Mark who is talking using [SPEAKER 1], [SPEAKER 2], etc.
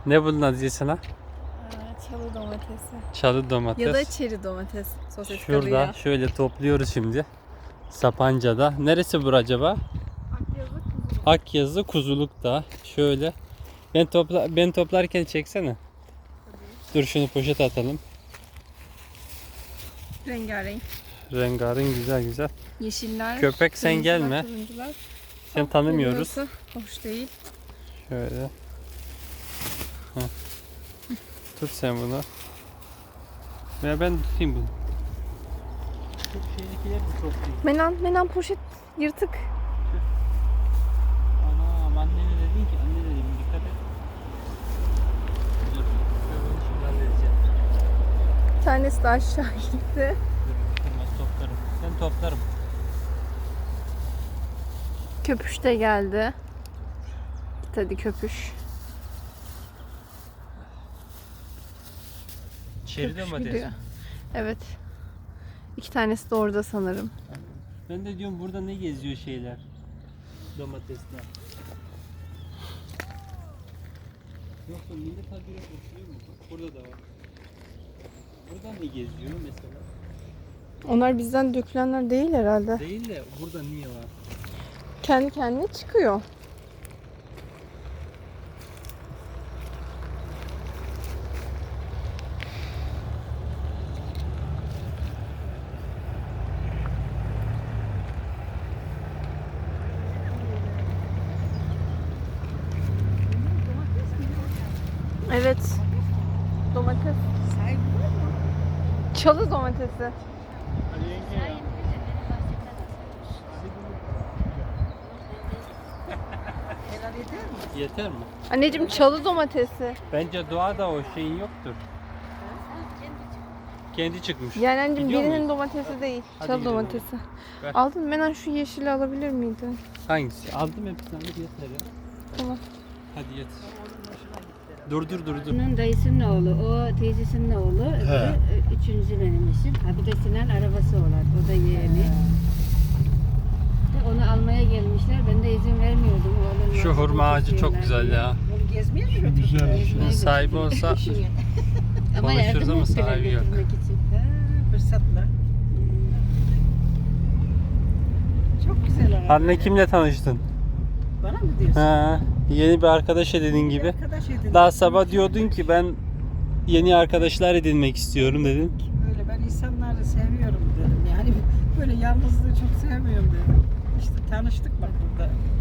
[SPEAKER 1] Ne bunun adı sana?
[SPEAKER 2] Çalı domatesi.
[SPEAKER 1] Çalı domates.
[SPEAKER 2] Ya da çeri domates. Sosis
[SPEAKER 1] Şurada
[SPEAKER 2] kabıyla.
[SPEAKER 1] şöyle topluyoruz şimdi. Sapanca'da. Neresi bura acaba?
[SPEAKER 2] Akyazı kuzulu.
[SPEAKER 1] Akyazı Kuzuluk'ta. Şöyle. Ben toplarken çeksene. Dur şunu poşete atalım.
[SPEAKER 2] Rengarenk.
[SPEAKER 1] Rengarenk güzel güzel.
[SPEAKER 2] Yeşiller.
[SPEAKER 1] Köpek sen
[SPEAKER 2] kırmızılar,
[SPEAKER 1] gelme.
[SPEAKER 2] turuncular.
[SPEAKER 1] Sen tanımıyoruz.
[SPEAKER 2] Burası hoş değil.
[SPEAKER 1] Şöyle. Heh. Tut sen bunu. Veya ben tutayım bunu. Çok şeydekiler de çok değil.
[SPEAKER 2] Menan poşet yırtık.
[SPEAKER 1] Anam annene dedin ki anne dedim dikkat et. Dur. Ben onu şimdi halledeceğim.
[SPEAKER 2] Bir tanesi de aşağı gitti.
[SPEAKER 1] Dur kırmaz toplarım. Ben toplarım.
[SPEAKER 2] Köpüş de geldi. Hadi köpüş.
[SPEAKER 1] Çeri
[SPEAKER 2] Köpüş
[SPEAKER 1] domates.
[SPEAKER 2] gidiyor. Evet. 2 tanesi de orada sanırım.
[SPEAKER 1] Ben de diyorum burada ne geziyor şeyler. Domatesler. Yoksa millet habire oturuyor mu? Bak burada da var. Burada ne geziyor mesela?
[SPEAKER 2] Onlar bizden dökülenler değil herhalde.
[SPEAKER 1] Değil de burada niye var?
[SPEAKER 2] Kendi kendine çıkıyor. Evet. Domates. Çalı domatesi.
[SPEAKER 1] Yeter mi?
[SPEAKER 2] Anneciğim çalı domatesi.
[SPEAKER 1] Bence doğada o şeyin yoktur. Kendi çıkmış.
[SPEAKER 2] Yani anneciğim
[SPEAKER 1] Gidiyor
[SPEAKER 2] birinin
[SPEAKER 1] muyuz?
[SPEAKER 2] domatesi değil.
[SPEAKER 1] Hadi
[SPEAKER 2] Çalı
[SPEAKER 1] gidelim.
[SPEAKER 2] domatesi.
[SPEAKER 1] Ver.
[SPEAKER 2] Aldın Menan şu yeşili alabilir miydin?
[SPEAKER 1] Hangisi? Aldım hepsini alıp yeter ya.
[SPEAKER 2] Tamam.
[SPEAKER 1] Hadi yeter. Dur.
[SPEAKER 3] Onun dayısının oğlu, o teyzesinin oğlu, öbürü üçüncü benim eşim. Ha bir de Sinan arabası olan, o da yeğeni. De onu almaya gelmişler, ben de izin vermiyordum. Oğlum
[SPEAKER 1] Şu hurma ağacı çok güzel ya.
[SPEAKER 3] Onu gezmeye mi götürdün?
[SPEAKER 1] Şunun sahibi olsa
[SPEAKER 3] Ama
[SPEAKER 1] konuşuruz
[SPEAKER 3] yardım
[SPEAKER 1] ama
[SPEAKER 3] ettiler
[SPEAKER 1] sahibi yok.
[SPEAKER 3] götürmek için.
[SPEAKER 4] Fırsatla. Çok güzel araba.
[SPEAKER 1] Anne kimle tanıştın?
[SPEAKER 4] Bana mı diyorsun?
[SPEAKER 1] Ha, yeni bir arkadaş edindin gibi.
[SPEAKER 4] Arkadaş edin.
[SPEAKER 1] Daha sabah diyordun ki ben yeni arkadaşlar edinmek istiyorum dedin.
[SPEAKER 4] Böyle ben insanları seviyorum dedim. Yani böyle yalnızlığı çok sevmiyorum dedim. İşte tanıştık bak burada.